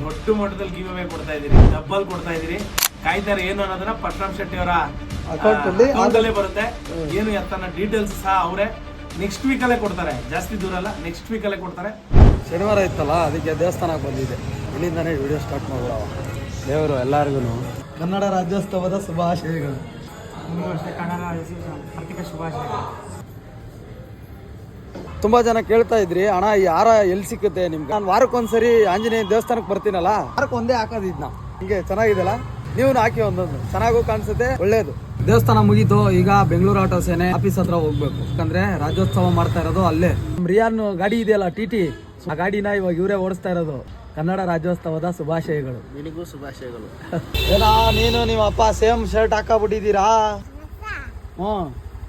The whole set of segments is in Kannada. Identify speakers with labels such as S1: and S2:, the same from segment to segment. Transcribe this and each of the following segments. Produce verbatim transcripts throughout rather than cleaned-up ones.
S1: ದೊಡ್ಡ ಮಟ್ಟದಲ್ಲಿ ಗಿವ್ ಅವೇ ಕೊಡ್ತಾ ಇದೀರಿ, ಡಬ್ಬಲ್ ಕೊಡ್ತಾ ಇದೀರಿ. ಕಾಯ್ತಾರೆ ಏನು ಅನ್ನೋದನ್ನ ಪಟ್ರಾಮ್ ಶೆಟ್ಟಿ ಅವರ ಅಕೌಂಟ್ ಅಲ್ಲೇ ಬರುತ್ತೆ. ಏನು ಎತ್ತನ ಡೀಟೇಲ್ಸ್ ಸಹ ಅವರೇ ನೆಕ್ಸ್ಟ್ ವೀಕ್ ಅಲ್ಲೇ ಕೊಡ್ತಾರೆ, ಜಾಸ್ತಿ ದೂರ ಅಲ್ಲ, ನೆಕ್ಸ್ಟ್ ವೀಕ್ ಅಲ್ಲೇ ಕೊಡ್ತಾರೆ.
S2: ಶನಿವಾರ ಇತ್ತಲ್ಲ, ಅದಕ್ಕೆ ದೇವಸ್ಥಾನಕ್ಕೆ ಬಂದಿದೆ. ಇಲ್ಲಿಂದಾನೇ ವಿಡಿಯೋ ಸ್ಟಾರ್ಟ್ ಮಾಡೋಣ. ದೇವರು ಎಲ್ಲರಿಗೂ ಕನ್ನಡ ರಾಜ್ಯೋತ್ಸವದ ಶುಭಾಶಯಗಳು. ತುಂಬಾ ಜನ ಕೇಳ್ತಾ ಇದ್ರಿ, ಅಣ್ಣ ಈ ಹಾರ ಎಲ್ಲಿ ಸಿಕ್ಕುತ್ತೆ ನಿಮ್ಗೆ? ನಾನು ವಾರಕ್ಕೊಂದ್ಸರಿ ಆಂಜನೇಯ ದೇವಸ್ಥಾನಕ್ಕೆ ಬರ್ತೀನಲ್ಲ, ವಾರಕ್ಕೆ ಒಂದೇ ಹಾಕೋದಿದ್ ನಾವು. ಹಿಂಗೆ ಚೆನ್ನಾಗಿದೆಲ್ಲ, ನೀವು ಹಾಕಿ ಒಂದೊಂದು ಚೆನ್ನಾಗೂ ಕಾಣಿಸುತ್ತೆ, ಒಳ್ಳೇದು. ದೇವಸ್ಥಾನ ಮುಗೀತು, ಈಗ ಬೆಂಗಳೂರು ಆಟೋ ಸೇನೆ ಆಫೀಸ್ ಹತ್ರ ಹೋಗ್ಬೇಕು. ಯಾಕಂದ್ರೆ ರಾಜ್ಯೋತ್ಸವ ಮಾಡ್ತಾ ಇರೋದು ಅಲ್ಲೇ. ರಿಯಾನ್ ಗಾಡಿ ಇದೆಯಲ್ಲ ಟಿ ಟಿ, ಆ ಗಾಡಿನ ಇವಾಗ ಇವರೇ ಓಡಿಸ್ತಾ ಇರೋದು. ಕನ್ನಡ ರಾಜ್ಯೋತ್ಸವದ ಶುಭಾಶಯಗಳು.
S3: ನಿನಗೂ ಶುಭಾಶಯಗಳು.
S2: ಏನಾ ನೀನು ನಿಮ್ಮ ಅಪ್ಪ ಸೇಮ್ ಶರ್ಟ್ ಹಾಕಬಿಟ್ಟಿದ್ದೀರಾ? ಹ್ಮ್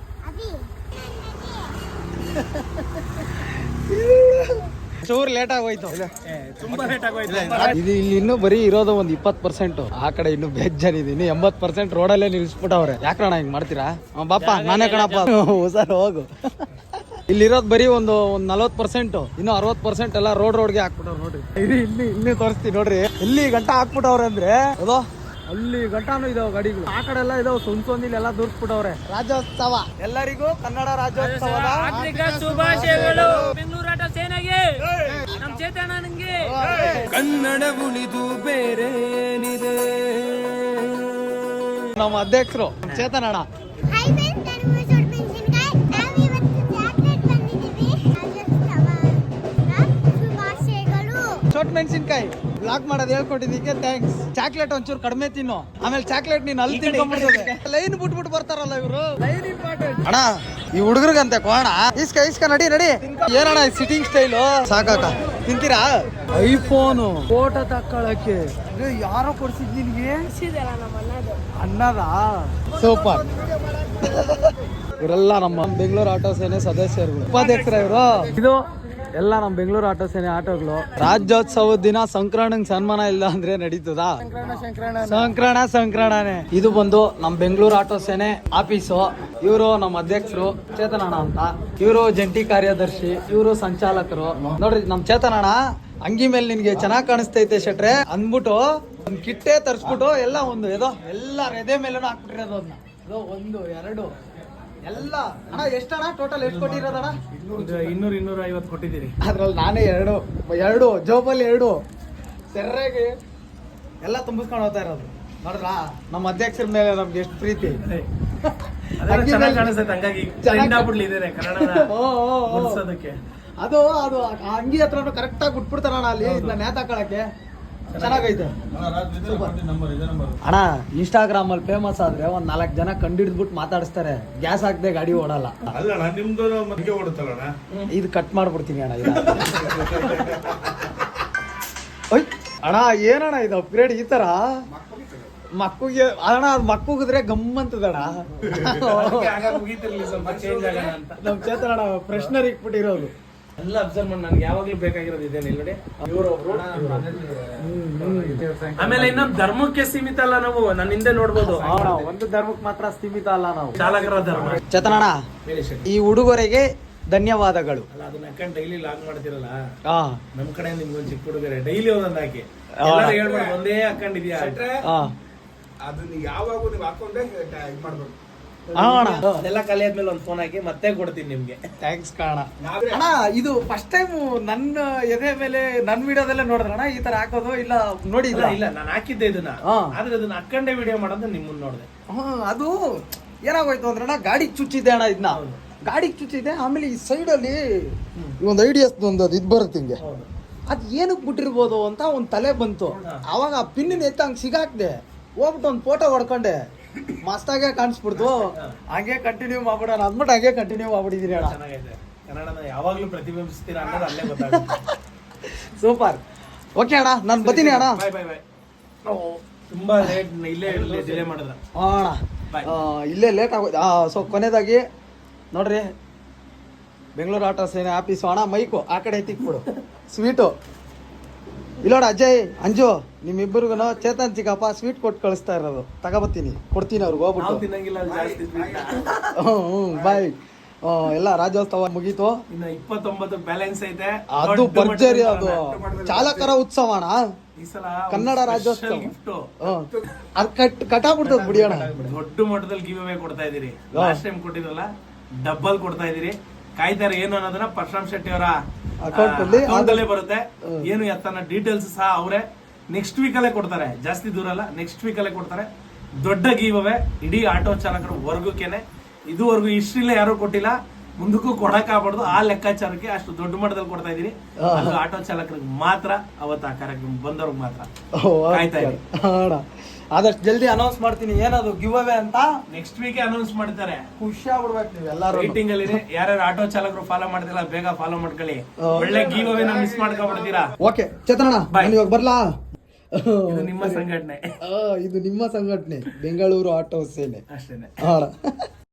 S2: ಚೂರ್ ಲೇಟ್ ಆಗೋಯ್ತು,
S1: ತುಂಬಾ ಲೇಟ್ ಆಗೋಯ್ತು.
S2: ಇದು ಇಲ್ಲಿ ಇನ್ನೂ ಬರೀ ಇರೋದು ಒಂದ್ ಇಪ್ಪತ್ ಪರ್ಸೆಂಟ್, ಆ ಕಡೆ ಇನ್ನು ಬೇಜಾನ್ ಇದೆ. ಇನ್ನು ಎಂಬತ್ ಪರ್ಸೆಂಟ್ ರೋಡಲ್ಲೇ ನಿಲ್ಸ್ಬಿಟ್ಟವ್ರೆ. ಯಾಕಣ್ಣ ಹಿಂಗ್ ಮಾಡ್ತೀರಾ? ಬಾಪ ನಾನೇ ಕಣಪ್ಪ, ಸರ್ ಹೋಗು. ಇಲ್ಲಿರೋದು ಬರೀ ಒಂದು ಒಂದ್ ನಲ್ವತ್ ಪರ್ಸೆಂಟ್, ಇನ್ನು ಅರವತ್ ಪರ್ಸೆಂಟ್ ಎಲ್ಲ ರೋಡ್ ರೋಡ್ಗೆ ಹಾಕ್ಬಿಟ್ಟವ್ರು ನೋಡ್ರಿ. ಇದು ಇಲ್ಲಿ ಇನ್ನೂ ತೋರಿಸ್ತೀನಿ ನೋಡ್ರಿ, ಎಲ್ಲಿ ಗಂಟ ಹಾಕ್ಬಿಟ್ಟವ್ರೆ ಅಂದ್ರೆ ಅದೋ ಅಲ್ಲಿ ಗಂಟಾನು ಇದಾವೆ ಗಾಡಿಗಳು, ಆ ಕಡೆ ಎಲ್ಲ ಇದಾವೆ. ಸುಮ್ ಸೊಂದಿಲ್ ಎಲ್ಲ ದೂರ್ಸ್ಬಿಟ್ಟವ್ರೆ. ರಾಜ್ಯೋತ್ಸವ ಎಲ್ಲರಿಗೂ ಕನ್ನಡ ರಾಜ್ಯೋತ್ಸವದ
S3: ಶುಭಾಶಯಗಳು. ಬೆಂಗಳೂರು ಆಟೋ ಸೇನೆಗೆ, ನಮ್ ಚೇತನನಿಗೆ.
S1: ಕನ್ನಡ ಉಳಿದು ಬೇರೆ ಏನಿದೆ.
S2: ನಮ್ಮ ಅಧ್ಯಕ್ಷರು ಚೇತನ್ ಅಣ್ಣ. ಚೋಟ್ ಮೆಣಸಿನ್ಕಾಯಿ ಬ್ಲಾಕ್ ಮಾಡೋದು ಹೇಳ್ಕೊಟ್ಟಿದ್ದಕ್ಕೆ ಥ್ಯಾಂಕ್ಸ್. ಚಾಕ್ಲೇಟ್ ಒಂಚೂರು ಕಡಿಮೆ ತಿನ್ನು, ಆಮೇಲೆ ಚಾಕ್ಲೇಟ್ ನೀನ್ ಅಲ್ಲಿ ತಿನ್ಕೊಂಡ್ಬಿಡ್ತದೆ. ಲೈನ್ ಬಿಟ್ಬಿಟ್ಟು ಬರ್ತಾರಲ್ಲ ಇವರು. ಲೈನ್ ಇಂಪಾರ್ಟೆಂಟ್ ಅಣ್ಣ. ಈ ಹುಡುಗರಿಗಂತೆ ಕೋಣ ಇಸ್ಕ ಇಸ್ಕ ನಡಿ ನಡಿ. ಏನಣ್ಣ ಸಿಟ್ಟಿಂಗ್ ಸ್ಟೈಲು ಸಾಕಾಕ. ತಿಂತೀರಾ? ಐಫೋನು ಫೋಟೋ ತಕ್ಕೊಳಕ್ಕೆ ಯಾರೋ ಕೊಡ್ಸಿದ್ ನಿನ್ಗೆ? ಅನ್ನದ ಸೂಪರ್. ಇವರೆಲ್ಲ ನಮ್ಮ ಬೆಂಗಳೂರು ಆಟೋ ಸೇನೆ ಸದಸ್ಯರುಗಳು, ಉಪಾಧ್ಯಕ್ಷರ ಇವರು. ಇದು ಎಲ್ಲ ನಮ್ಮ ಬೆಂಗಳೂರು ಆಟೋ ಸೇನೆ ಆಟೋಗಳು. ರಾಜ್ಯೋತ್ಸವದ ದಿನ ಸಂಕ್ರಮಣಕ್ಕೆ ಸನ್ಮಾನ ಇಲ್ಲ ಅಂದ್ರೆ ನಡೀತದ? ಸಂಕ್ರಮಣ ಸಂಕ್ರಮಣನೇ. ಇದು ಬಂದು ನಮ್ಮ ಬೆಂಗಳೂರು ಆಟೋ ಸೇನೆ ಆಫೀಸು. ಇವರು ನಮ್ಮ ಅಧ್ಯಕ್ಷರು ಚೇತನಣ್ಣ ಅಂತ, ಇವರು ಜಂಟಿ ಕಾರ್ಯದರ್ಶಿ, ಇವರು ಸಂಚಾಲಕರು. ನೋಡ್ರಿ ನಮ್ ಚೇತನಣ್ಣ ಅಂಗಿ ಮೇಲೆ ನಿನ್ಗೆ ಚೆನ್ನಾಗ್ ಕಾಣಿಸ್ತೈತೆ ಶೆಟ್ರೆ ಅಂದ್ಬಿಟ್ಟು ಒಂದ್ ಕಿಟ್ಟೆ ತರ್ಸ್ಬಿಟ್ಟು ಎಲ್ಲ ಒಂದು ಏದೋ ಎಲ್ಲ ಎದೆ ಮೇಲೂ ಹಾಕ್ಬಿಟ್ಟಿರೋದು. ಅದನ್ನ ಅದು ಒಂದು ಎರಡು ಎಲ್ಲ ಅಣ್ಣ. ಎಷ್ಟಣ್ಣ ಟೋಟಲ್ ಎಷ್ಟು ಕೊಟ್ಟಿರೋದಣ್ಣ?
S1: ಇನ್ನೂರ ಇನ್ನೂರ ಐವತ್ತು ಕೊಟ್ಟಿದ್ದೀರಿ.
S2: ಅದ್ರಲ್ಲಿ ನಾನೇ ಎರಡು ಎರಡು ಜೋಬಲ್ಲಿ ಎರಡು ಸೆರ್ರೆಗೆ ಎಲ್ಲ ತುಂಬಿಸ್ಕೊಂಡು ಹೋಗ್ತಾ ಇರೋದು. ನೋಡ್ರಾ ನಮ್ಮ ಅಧ್ಯಕ್ಷರ ಮೇಲೆ ನಮ್ಗೆ ಎಷ್ಟು ಪ್ರೀತಿ.
S1: ಚೆನ್ನಾಗಿ ಕಾಣಿಸ್ತೈತೆ, ಹಂಗಾಗಿ ಟ್ರೆಂಡ್ ಆಗ್ಬಿಡ್ಲಿದೆ ಕನ್ನಡನ ಗುರ್ಸೋದಕ್ಕೆ.
S2: ಅದು ಅದು ಆ ಅಂಗಿ ಹತ್ರನು ಕರೆಕ್ಟ್ ಆಗಿ ಬಿಟ್ಬಿಡ್ತಾರಣ್ಣ ಅಲ್ಲಿ ನೇತಾಕಳಕ್ಕೆ. ಚೆನ್ನಾಗೈತೆ ಅಣ್ಣ. ಇನ್ಸ್ಟಾಗ್ರಾಮ್ ಅಲ್ಲಿ ಫೇಮಸ್ ಆದ್ರೆ ಒಂದ್ ನಾಲ್ಕು ಜನ ಕಂಡಿಡ್ದ್ಬಿಟ್ಟು ಮಾತಾಡಿಸ್ತಾರೆ. ಗ್ಯಾಸ್ ಹಾಕದೆ ಗಾಡಿ ಓಡಲ್ಲ. ಇದು ಕಟ್ ಮಾಡ್ಬಿಡ್ತೀನಿ ಅಣ್ಣ. ಅಣ್ಣ ಏನಣ್ಣ ಇದು ಅಪ್ಗ್ರೇಡ್ ಈ ತರ ಮಕ್ಕಳಿಗೆ ಅಣ್ಣ? ಅದು ಮಕ್ಕಳಿದ್ರೆ ಗಮ್ಮಂತದಣ್ಣ. ನಮ್ ಚೇತನ ಅಣ್ಣ ಫ್ರೆಶ್ನರ್ ಇಕ್ಬಿಟ್ಟಿರೋದು
S1: ಎಲ್ಲ ಅಬ್ಸರ್ವ್ ಮಾಡಿ. ನನ್ಗೆ ಯಾವಾಗ್ಲೂ ಬೇಕಾಗಿರೋದು ಇದೆ ನೋಡಿ. ಇವರೊಬ್ರು, ಆಮೇಲೆ ಇನ್ನೊಂದು ಧರ್ಮಕ್ಕೆ ಸೀಮಿತ ಅಲ್ಲ ನಾವು. ನನ್ನ ಹಿಂದೆ ನೋಡ್ಬೋದು,
S2: ಒಂದು ಧರ್ಮಕ್ಕೆ ಮಾತ್ರ ಸೀಮಿತ ಅಲ್ಲ ನಾವು.
S1: ಚಾಲಕರ ಧರ್ಮ.
S2: ಚೇತನಣ್ಣ ಈ ಉಡುಗೊರೆಗೆ ಧನ್ಯವಾದಗಳು.
S1: ಅಲ್ಲ ಅದನ್ನ ಹಾಕೊಂಡು ಡೈಲಿ ಲಾಗ್ ಮಾಡ್ತಿರಲ್ಲ,
S2: ಹಾ
S1: ನಮ್ ಕಡೆ ನಿಮ್ಗೊಂದು ಚಿಕ್ಕ ಹುಡುಗರೆ ಡೈಲಿ ಒಂದೊಂದು ಹಾಕಿ ಹೇಳ್ಬಾರ್ದು ಒಂದೇ ಹಾಕೊಂಡಿದ್ಯಾ.
S3: ಅದನ್ನ ಯಾವಾಗ ನೀವು ಹಾಕೊಂಡೆ ಇದು ಮಾಡ್ಬೇಕು.
S1: ಅದೆಲ್ಲ ಕಲೆ ಆದ್ಮೇಲೆ ಒಂದು ಫೋನ್ ಹಾಕಿ ಮತ್ತೆ ಕೊಡ್ತೀನಿ ನಿಮ್ಗೆ.
S2: ಥ್ಯಾಂಕ್ಸ್ ಕಾಣ ಅಣ್ಣ. ಇದು ಫಸ್ಟ್ ಟೈಮ್ ನನ್ನ ಎದೆ ಮೇಲೆ ನನ್ ವಿಡಿಯೋದಲ್ಲೇ ನೋಡಿದ್ರಣ್ಣ ಈ ತರ ಹಾಕೋದು? ಇಲ್ಲ ನೋಡಿ
S1: ಇಲ್ಲ ಇಲ್ಲ ನಾನು ಹಾಕಿದ್ದೆ ಇದನ್ನ, ಆದ್ರೆ ಅದನ್ನ ಹಾಕೊಂಡೆ ವಿಡಿಯೋ ಮಾಡೋದು ನಿಮ್ಮನ್ನ ನೋಡಿದೆ.
S2: ಹ್ಮ್ ಅದು ಏನಾಗೋಯ್ತು ಅಂದ್ರಣ್ಣ, ಗಾಡಿಗೆ ಚುಚ್ಚಿದ್ದೆ ಅಣ್ಣ. ಇದನ್ನ ಗಾಡಿಗೆ ಚುಚ್ಚಿದೆ. ಆಮೇಲೆ ಈ ಸೈಡ್ ಅಲ್ಲಿ ಒಂದು ಐಡಿಯಾಸ್ ಒಂದು ಅದು ಇದು ಬರುತ್ತೆ ಹಿಂಗೆ. ಅದ್ ಏನಕ್ಕೆ ಬಿಟ್ಟಿರ್ಬೋದು ಅಂತ ಒಂದ್ ತಲೆ ಬಂತು. ಅವಾಗ ಆ ಪಿನ್ನ ಎತ್ತ ಹಂಗ್ ಸಿಗಾಕ್ದೆ, ಹೋಗ್ಬಿಟ್ಟು ಒಂದ್ ಫೋಟೋ ಹೊಡ್ಕೊಂಡೆ. ಮಸ್ತಾಗೆ ಕಾಣಿಸ್ಬಿಡ್ತು. ಹಂಗೆ ಕಂಟಿನ್ಯೂ ಮಾಡ್ಬಿಡೋಣ ಅಂದ್ಬಿಟ್ಟು ಹಂಗೆ ಕಂಟಿನ್ಯೂ ಮಾಡ್ಬಿಟ್ಟಿದೀನಿ ಅಣ್ಣ.
S1: ಚೆನ್ನಾಗೈತೆ. ಕನ್ನಡನ ಯಾವಾಗ್ಲೂ ಪ್ರತಿಬಿಂಬಿಸ್ತೀರಾ ಅನ್ನೋದು ಅಲ್ಲೇ ಗೊತ್ತಾಗುತ್ತೆ.
S2: ಸೂಪರ್. ಓಕೆ ಅಣ್ಣ, ನಾನು ಬರ್ತೀನಿ ಅಣ್ಣ.
S1: ಬಾಯ್ ಬಾಯ್ ಬಾಯ್. ತುಂಬಾ ಲೇಟ್, ಇಲ್ಲೇ ಡಿಲೇ ಮಾಡಿದ್ರ
S2: ಅಣ್ಣ. ಇಲ್ಲೇ ಲೇಟ್ ಆಗೋದು. ಸೊ ಕೊನೆಯದಾಗಿ ನೋಡ್ರಿ, ಬೆಂಗಳೂರು ಆಟೋ ಸೇನೆ ಆಫೀಸು ಅಣ್ಣ. ಮೈಕು ಆ ಕಡೆ ಎತ್ತಿಕ್ಬಿಡು. ಸ್ವೀಟು ಇಲ್ಲೋಡ ಅಜಯ್ ಅಂಜು ನಿಮ್ಮಿಬ್ಬರಿಗೂ ಚೇತನ್ ಚಿಕ್ಕಪ್ಪ ಸ್ವೀಟ್ ಕೊಟ್ಟು ಕಳಿಸ್ತಾ ಇರೋದು. ತಗೋಬತ್ತೀನಿ, ಕೊಡ್ತೀನಿ ಅವ್ರಿಗೆ ಹೋಗ್ಬಿಟ್ಟು.
S1: ತಿನ್ನಂಗಿಲ್ಲ ಜಾಸ್ತಿ.
S2: ಹ್ಞೂ ಹ್ಞೂ ಬಾಯ್. ಆ, ಎಲ್ಲ ರಾಜ್ಯೋತ್ಸವ ಮುಗೀತು.
S1: ಇನ್ನು ಇಪ್ಪತ್ತೊಂಬತ್ತು ಬ್ಯಾಲೆನ್ಸ್ ಐತೆ.
S2: ಅದು
S1: ದೊಡ್ಡ
S2: ಭರ್ಜರಿ, ಅದು
S1: ಮಟ್ಟದಲ್ಲಿ
S2: ಚಾಲಕರ ಉತ್ಸವ ಅಣ್ಣ.
S1: ಈ ಸಲ
S2: ಕನ್ನಡ ರಾಜ್ಯೋತ್ಸವ
S1: ಗಿಫ್ಟ್
S2: ಅದ್ ಕಟ್ ಕಟಾಬಿಡ್ತದ ಬಿಡಿ ಅಣ್ಣ.
S1: ದೊಡ್ಡ ಮಟ್ಟದಲ್ಲಿ ಗಿವ್ ಅವೇ ಕೊಡ್ತಾ ಇದೀರಿ. ಲಾಸ್ಟ್ ಟೈಮ್ ಕೊಟ್ಟಿದ್ರಲ್ಲ ಡಬ್ಬಲ್ ಕೊಡ್ತಾ ಇದೀರಿ. ಕಾಯ್ತಾರೆ ಏನು ಅನ್ನೋದನ್ನ ಪರಶುರಾಮ್ ಶೆಟ್ಟಿ ಅವರ
S2: ಅಕೌಂಟ್ ಅಲ್ಲಿ
S1: ಅಕೌಂಟ್ ಅಲ್ಲೇ ಬರುತ್ತೆ. ಏನು ಎತ್ತನ ಡೀಟೇಲ್ಸ್ ಸಹ ಅವರೇ ನೆಕ್ಸ್ಟ್ ವೀಕ್ ಅಲ್ಲೇ ಕೊಡ್ತಾರೆ. ಜಾಸ್ತಿ ದೂರ ಅಲ್ಲ, ನೆಕ್ಸ್ಟ್ ವೀಕ್ ಅಲ್ಲೇ ಕೊಡ್ತಾರೆ. ದೊಡ್ಡ ಗಿವ್ ಅವೇ ಇಡೀ ಆಟೋ ಚಾಲಕರು ವರ್ಗಕ್ಕೇನೆ. ಇದುವರೆಗೂ ಹಿಸ್ಟ್ರಿಲೇ ಯಾರು ಕೊಟ್ಟಿಲ್ಲ, ಮುಂದಕ್ಕೂ ಕೊಡಕ್ ಆಗ್ಬಾರ್ದು. ಆ ಲೆಕ್ಕಾಚಾರಕ್ಕೆ ಅಷ್ಟು ದೊಡ್ಡ ಮಟ್ಟದಲ್ಲಿ ಕೊಡ್ತಾ ಇದೀರಿ. ಅದು ಆಟೋ ಚಾಲಕರಿಗೆ ಮಾತ್ರ, ಅವತ್ತು ಆ ಕಾರ್ಯಕ್ರಮ ಬಂದವ್ರಿಗೆ ಮಾತ್ರ. ಕಾಯ್ತಾ ಇರಿ.
S2: ಅಣ್ಣ ಆದಷ್ಟು ಜಲ್ದಿ ಅನೌನ್ಸ್ ಮಾಡ್ತೀನಿ ಏನದು ಗಿವ್ ಅವೇ ಅಂತ.
S1: ನೆಕ್ಸ್ಟ್ ವೀಕ್ ಅನೌನ್ಸ್ ಮಾಡ್ತಾರೆ.
S2: ಖುಷಿ ಆಗ್ಬಿಡ್ಬೇಕು ನೀವು ಎಲ್ಲಾರು.
S1: ರೇಟಿಂಗ್ ಅಲ್ಲಿ ಯಾರ್ಯಾರು ಆಟೋ ಚಾಲಕರು ಫಾಲೋ ಮಾಡ್ತಿಲ್ಲ ಬೇಗ ಫಾಲೋ ಮಾಡ್ಕೊಳ್ಳಿ. ಒಳ್ಳೆ ಗಿವ್ ಅವೇ ಮಿಸ್ ಮಾಡ್ಕೊಂಡ್ಬಿಡ್ತೀರಾ.
S2: ಓಕೆ ಚೇತನಣ್ಣ, ನಾನು ಇವಾಗ ಬರ್ಲಾ?
S1: ಇದು ನಿಮ್ಮ ಸಂಘಟನೆ,
S2: ಆ, ಇದು ನಿಮ್ಮ ಸಂಘಟನೆ ಬೆಂಗಳೂರು ಆಟೋ ಸೇನೆ
S1: ಅಷ್ಟೇನೆ.
S2: ಅಣ್ಣ